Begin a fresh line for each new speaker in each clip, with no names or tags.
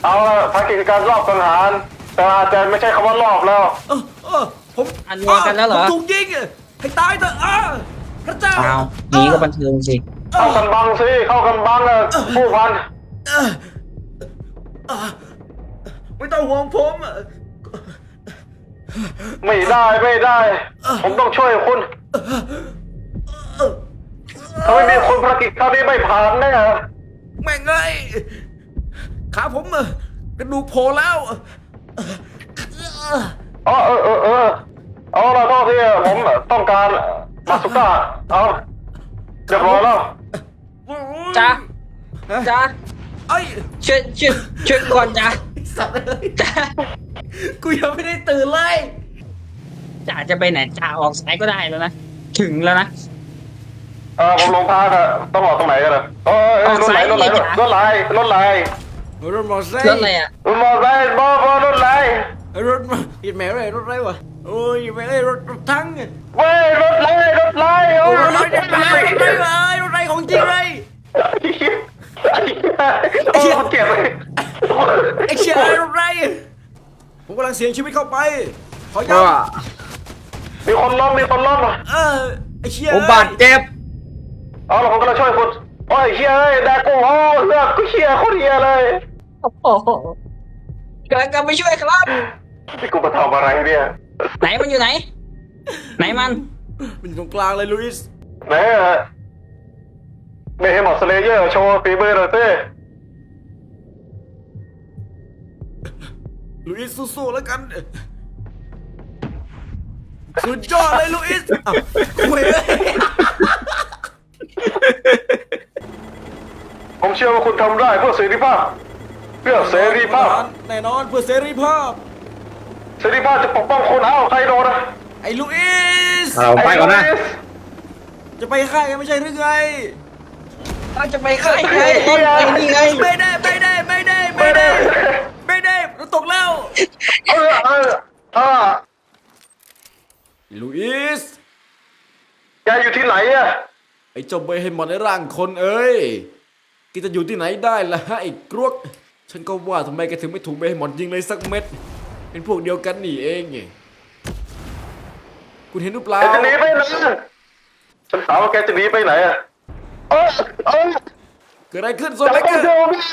เอาละภารกิจการรอบสังหารแต่อาจจะไม่ใช่คำว่ารอบแล้ว
ผม
อันเดียวกันแล้วเหรอ
ผมถูกยิงให้ตายเถอะพระเจ้า
อ้าวนี้ก็บันเทิงสิ
เข้ากันบังสิเข้ากันบังเลยผู้พัน
ไม่ต้องห่วงผม
ไม่ได้ผมต้องช่วยคุณถ้าไม่มีคนภารกิจคราวนี้ไม่ผ่านแน่
แม่งเลยขาผมกระดูกโผล่แล้ว
อ๋อเอาละพ่อที่ผมต้องการมาสุก้าเอาเรียบร้อยแล้ว
จ้าจ้า
ไอ้ย
ช่วยก่อนจ้า
สัตว์เลย
จ้า
กูยังไม่ได้ตื่นเลย
จ้าจะไปไหนจ้าออกสายก็ได้แล้วนะถึงแล้วนะ
ผมลงพาค่ะต้องออกตรงไหนกันล่ะรถไหล
รถไหล
รถมอเตอร์ไซค์
รถอะไรอ่ะ
มอไซค์รถไหล
รถอีแม่อะไรรถอะไรวะโอ้ยแม่อะไรรถทั้ง
เว้ยรถไหลโอ้
รถอะไรของจริงเลย
โอ้เก็บเลย
ไอ้เชี่ยรถอะไรผมกำลังเสี่ยงชีวิตเข้าไปขอย้ำ
มีคนล้ม
ไอ้เชี่ย
ผมบาดเจ็บ
เอาละผมกำลังช่วยคุณโอ้ยเฮียเอ้ยแดกกูเลือกกูเฮียโคตรเฮียเลย
โอ้โหกำลังไปช่วยครับ
นี่กูมาทำอะไรเนี่ย
ไหนมันอยู่ไหน ไหนมัน
มันอยู่ตรงกลางเลยลุยส์
ไหนอะไม่ให้หมดสเลเยอร์โชว์ฝีมือหน่อยสิ
ลุยส์สู้ๆแล้วกันสุดยอดเลยลุยส์คุยเลย
ผมเชื่อว่าคุณทำได้เพื่อเสรีภาพเพื่อเสรีภาพ
แน่นอนเพื่อเสรีภาพ
เสรีภาพจะปกป้องคุณใครโดนนะ
ไอ้ลุยส์
ไปก่อนนะ
จะไปค่ายกันไม่ใช่หรือไง
เราจะไปค่ายไงไอ้นี่ไง
ไม่ได้เราตกแล้วลุยส์
แกอยู่ที่ไหนอะ
ไอ้เจ้าเบย์ให้หมดในร่างคนเอ้ยแกจะอยู่ที่ไหนได้ล่ะฮะไอ้กรวกฉันก็ว่าทำไมแกถึงไม่ถูกเบย์ให้หมดยิงเลยสักเม็ดเป็นพวกเดียวกันนี่เองไงคุณเห็นหรือเปล่า
แกจะหนีไปไหนฉันถามว่าแกจะหนีไปไหนอะ
เกิดอะไรขึ้นโซเบเกอร์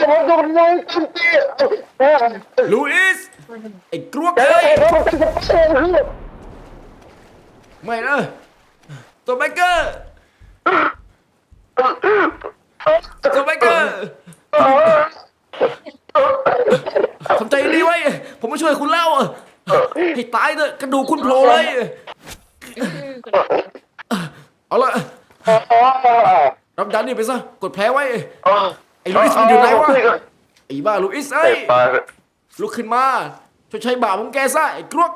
ลูอิสไอ้กรวกเอ้ยไม่นะโซเบเกอร์โซเบเกอร์ทำใจดีไว้ผมมาช่วยคุณแล้วให้ตายเถอะกระดูกคุณโผล่เลยเอาละรับยานี่ไปซะกดแผลไว้ไอ้ลูอิสมันอยู่ไหนวะไอ้บ้าลูอิสเอ้ยลุกขึ้นมาช่วยใช้บาปของแกซะไอ้กรวก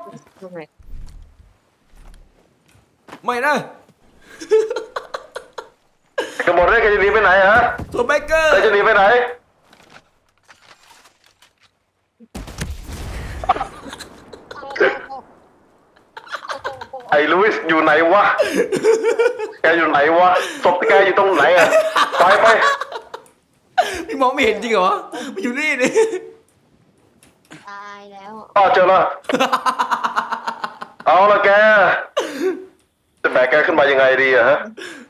ไม่นะ
กระบอกได้แกจะหนีไปไหนฮะ
ตัวเบเกอร์
แกจะหนีไปไหนไอ้ลุยส์อยู่ไหนวะแกอยู่ไหนวะศพแกอยู่ตรงไหนอะไป
พี่มองไม่เห็นจริงเหรอมันอยู่นี่นี่
ตายแล้ว
เจอแล้วเอาละแกจะแบกแกขึ้นมายังไงดีอะฮะ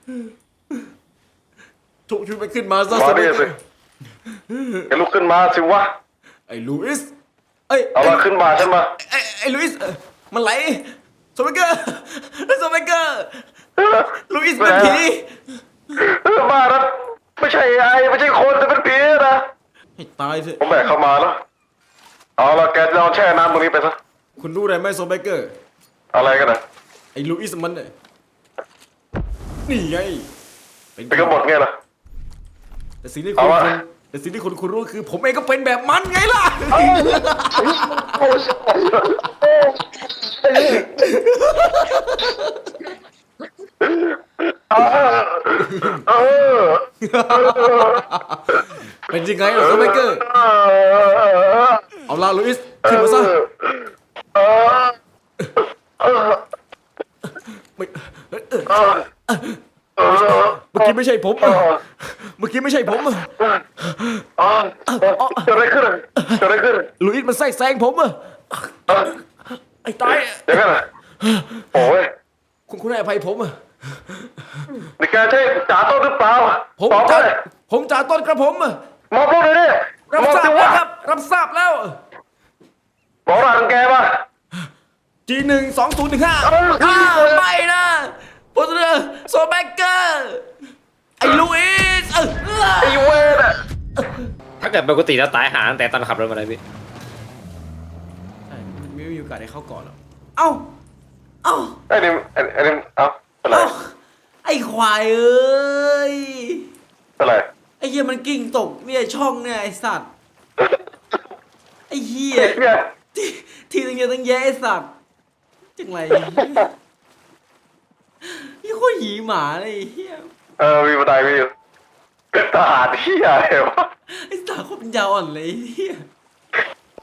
ถูกชุดไปขึ้นมาซะ
มา
ตัวเบ
ดิ
เกอ
สิ
ร์
แกลุกขึ้นมาสิวะ
ไอ้ลูอิสเอ้ย
เอาละขึ้นมาฉันมา
ไอ้ลูอิสมันไหลโซเบเกอร์โซเบเกอร์ลูอิสเป็นผี
บ้านะไม่ใช่ไม่ใช่คนแต่เป็นผีนะ
ให้ตายสิ
ผมแบกเข้ามาแล้วเอาละแกลองแช่น้ำตรงนี้ไปซะ
คุณรู้อะไรไหมโซเบเกอร์
อะไรกันนะ
ไอ้ลูอิสมันเนี่ยนี่ไง
เป็นกบฏไงล่ะ
แต่สิ่งที่
เอา
คุณ
วะ
แต่สิ่งที่คุณรู้คือ ผมเองก็เป็นแบบมันไงล่ะ เป็นยังไงล่ะโซเบเกอร์เอาล่ะลูอิสขึ้นมาซะไม่เมื่อกี้ไม่ใช่ผมเมื่อกี้ไม่ใช่ผม
เกิดอะไรขึ้นเกิดอะไรขึ้น
ลุยส์มันไส้แซงผมอะ
เอ้า
ไอ้ตาย
เดี๋ยวกันนะโอ้ย
คุณให้อภัยผมอะ
นี่แกใช่จ่าต้นหรือเปล่า
ผม
ตอบ
จ่า
เลย
ผมจ่าต้นกระผมอะ
มอบรถเลยดิ
รับ
มอบ
ทราบ
สิ
แล้ว
วะ
ครับ รับทราบแล้ว
บอกรหัสของแกมา
G1 2015
เออ
ไม่นะโพสเตอร์โซแบกเกอร์ไอ้ลุยส์
ไอ้เวรอะ
ถ้าเกิดปกติแล้วตายหาตั้งแต่ตอนขับรถมาเลยพี่
ใช่ไม่มีโอกาสได้เข้าก่อนหรอกเอ้าเอ้า
ไอ้นี่เอ้าเป็นไร
เอ้าไอ้ควายเอ้ย
เป็นไร
ไอ้เหี้ยมันกิ่งตกเนี่ยช่องเนี่ยไอ้สัตว์ไอ้เหี้ย
เนี่ย
ที่ตั้งเยอะตั้งแยะไอ้สัตว์จังไรนี่โคตรหีหมาเลยไอ้เหี้ย
มีบันไดมีอยู่เป็นทหารที่อะไรวะ
ไอ้สัตว์โคตรปัญญาอ่อนเลยไอ้เหี้ย